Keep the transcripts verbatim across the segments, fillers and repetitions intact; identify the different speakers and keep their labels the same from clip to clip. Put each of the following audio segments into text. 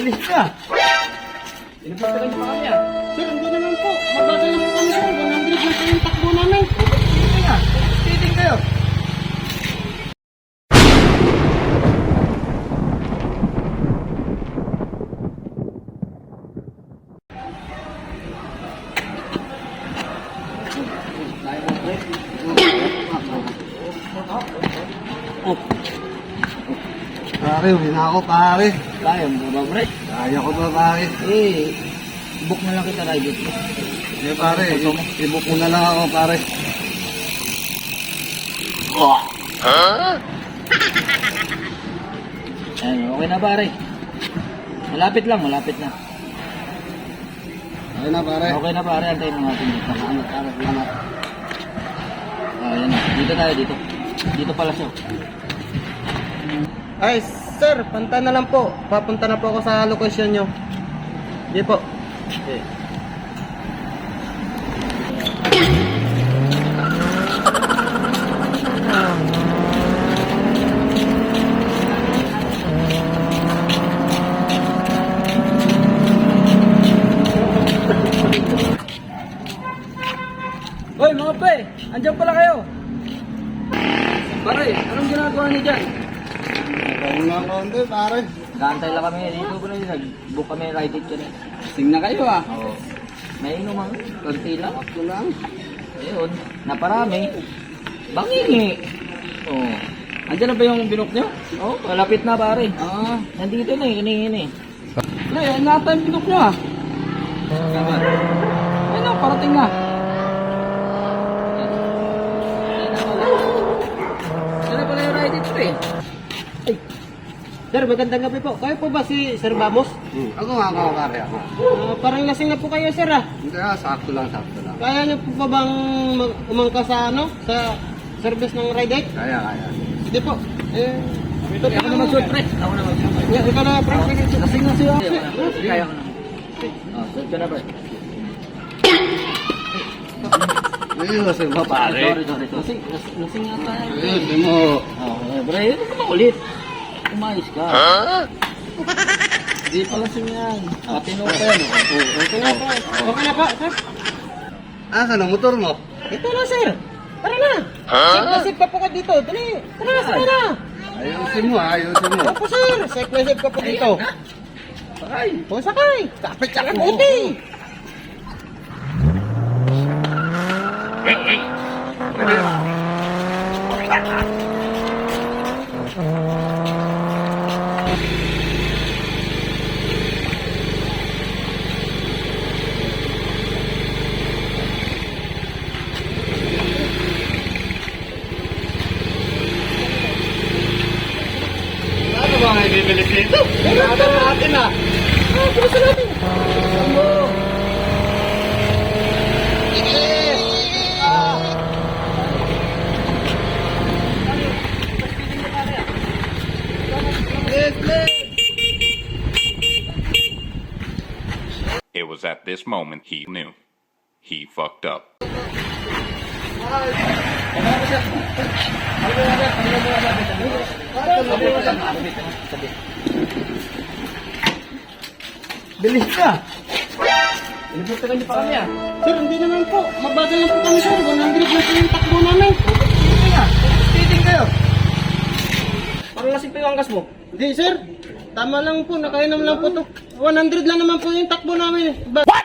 Speaker 1: Bilis ka! Pinagpapagay pa kami ah.
Speaker 2: Sir, hindi naman po. Mabagal lang po kami sir. one hundred lang po yung takbo namin.
Speaker 1: Sige nga, titing kayo.
Speaker 2: Oh. Pare, uwi na ako pare.
Speaker 1: Kaya mo ba, pre?
Speaker 2: Kaya ko ba pare?
Speaker 1: Eh, book na lang kita ride.
Speaker 2: Eh pare, i-book mo na lang ako pare.
Speaker 1: Ayun, okay na pare. Malapit lang, malapit na.
Speaker 2: Okay na pare.
Speaker 1: Okay na pare, antayin mo natin dito.
Speaker 2: Salamat pare, salamat.
Speaker 1: Ah, yan na. Dito tayo, dito. Dito pala siya.
Speaker 2: Ay, sir, punta na lang po. Papunta na po ako sa location nyo. Hindi po.
Speaker 1: Okay. Hoy mga pre, andyan pala kayo. Pare, anong ginagawa niyo dyan?
Speaker 2: Kaya nga konti pare.
Speaker 1: Kaantay lang kami dito po na yun. Nag-book kami ride it yan eh.
Speaker 2: Tingnan kayo ah.
Speaker 1: Oo. May inuman, konti lang.
Speaker 2: Ako lang.
Speaker 1: Ayun, naparami. Bangingi. Oo. Andyan na ba yung binok nyo? Oo, malapit na pare.
Speaker 2: Ah.
Speaker 1: Nandito na eh, kanina eh.
Speaker 2: Pre, ayun nga tayo yung pinok nyo ah.
Speaker 1: Tama.
Speaker 2: Ayun na, parating na.
Speaker 1: Sana pala yung ride it eh.
Speaker 2: Ay. Sir, magandang gabi po. Kayo po ba si Sir Vamos?
Speaker 3: Hmm. Ako nga ako pare ako.
Speaker 2: Ah, parang lasing na po kayo, sir ah.
Speaker 3: Hindi ah, sakto lang, sakto lang.
Speaker 2: Kaya niyo po ba bang mag- umangka sa ano? Sa service ng ride it?
Speaker 3: Kaya, kaya.
Speaker 2: Hindi po. Eh, ito
Speaker 1: Ako na mag-shoot pre. Ako na mag-shoot.
Speaker 2: Yeah, ikaw na, pre. Sige, sige.
Speaker 1: Lasing na siya. Kaya ko na. Oh, shoot ka na pre.
Speaker 3: Ayun, kasi ba pare?
Speaker 1: Sorry, sorry, sorry. Lasing, lasing, lasing nga tayo.
Speaker 3: Ayun, di mo.
Speaker 1: Oh, eh, pre, ito ka ulit. Umayos ka. Ha? Di pa lasing yan. Patino pa yan. Oh.
Speaker 2: Okay na po. Okay na po, sir.
Speaker 3: Ah, ka ng motor mo?
Speaker 2: Ito na, sir. Tara na. Sir, nasip pa po ka dito. Dali. Tara na, tara na.
Speaker 3: Ayusin mo ah, ayusin mo.
Speaker 2: Opo, sir. Sir, nasip ka po dito.
Speaker 1: Sakay.
Speaker 2: O, sakay. Kapit ka lang buti.
Speaker 3: Ano ba nga ibibili dito? Ano natin ah?
Speaker 2: Ah, pulis natin.
Speaker 4: It was at this moment he knew. He fucked up.
Speaker 1: Bilis ka! Pinagpapagay pa kami ah.
Speaker 2: Sir, hindi naman po. Mabagal lang po kami, sir. one hundred lang po yung takbo namin.
Speaker 1: Sige nga, titing kayo. Parang lasing pa yung angkas mo.
Speaker 2: Hindi, sir. Tama lang po. Nakainom lang po to. one hundred lang naman po yung takbo namin. Ba- What?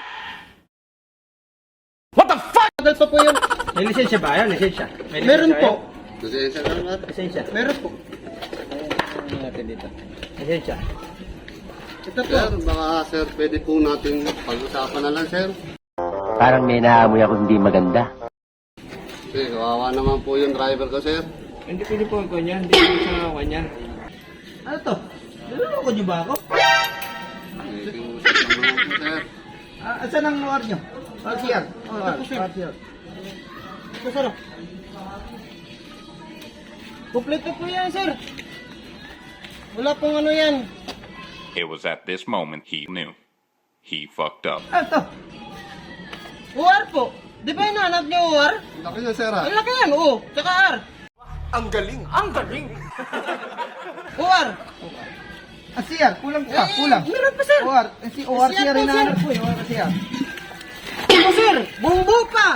Speaker 2: What the fuck? Bagal pa po yun.
Speaker 1: May lisensya ba? Ayan, lisensya. May
Speaker 2: Meron
Speaker 1: lisensya
Speaker 2: po.
Speaker 3: Pasensya na naman.
Speaker 1: kayo? Lisensya.
Speaker 2: Meron po.
Speaker 1: Ano natin dito? Lisensya.
Speaker 2: Ito po.
Speaker 3: Sir, baka sir, pwede po natin pag-usapan na lang sir.
Speaker 5: Parang may naamoy ako hindi maganda.
Speaker 3: Kasi kawawa naman po yung driver ko sir.
Speaker 1: Hindi pwede po ako niyan. Hindi pwede sa kanyan. Ano to? Naluloko niyo ba ako?
Speaker 3: May kiusap naman po sir.
Speaker 1: Ah, saan ang lugar niyo? R C R. Oh,
Speaker 2: Ito po, sir.
Speaker 1: R C R.
Speaker 2: Ito, sir. Kompleto po yan, sir. Wala pong ano yan.
Speaker 4: It was at this moment he knew. He fucked up.
Speaker 1: Ano to?
Speaker 2: U R po. Di ba hinahanap niyo U R?
Speaker 3: Laki niya sir ah.
Speaker 2: Ang laki yan, O. Tsaka R.
Speaker 6: Ang galing! Ang galing!
Speaker 2: U R.
Speaker 1: Ah, C R, kulang ka, kulang.
Speaker 2: Meron pa, sir.
Speaker 1: O R, eh, si O R C R
Speaker 2: C R po,
Speaker 1: rin
Speaker 2: sir.
Speaker 1: po eh, O R C R.
Speaker 2: Ano, sir? Buong buo pa.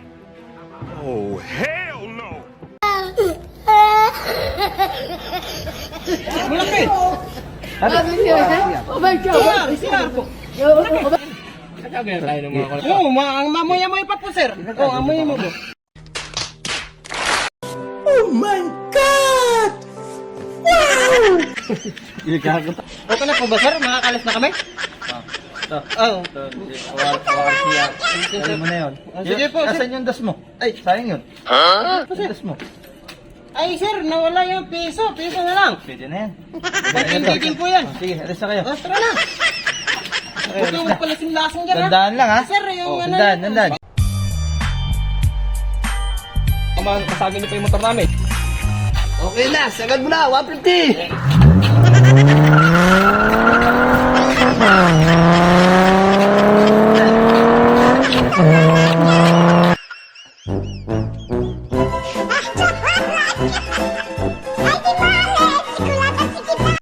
Speaker 2: Malaki.
Speaker 6: Oh my God!
Speaker 2: C R po.
Speaker 3: Kagaya tayo ng mga kulit.
Speaker 2: Oo, ma ang mamoy-amoy pa po, sir. Oo, amoy mo po. Okay na po ba, sir? Makakalis na kami?
Speaker 1: Ito.
Speaker 2: Oo.
Speaker 1: O R C R. Dali mo na yun.
Speaker 2: Ah, sige po, sir.
Speaker 1: Asan yung das mo? Ay, sayang yun. Yung das mo.
Speaker 2: Ay, sir, nawala yung piso. Piso na lang.
Speaker 1: Pwede na yan.
Speaker 2: Bating-bating po yan.
Speaker 1: Oh, sige, alis na kayo.
Speaker 2: Oh, tara na. Huwag kang magpalasing-lasing dyan, ha?
Speaker 1: Dandaan lang ha.
Speaker 2: Sir, yung
Speaker 1: Oh,
Speaker 2: ano...
Speaker 1: dandaan, dandaan.
Speaker 3: Kamang kasagin niyo pa yung motor namin.
Speaker 1: Okay na, sagad mo na, one fifty!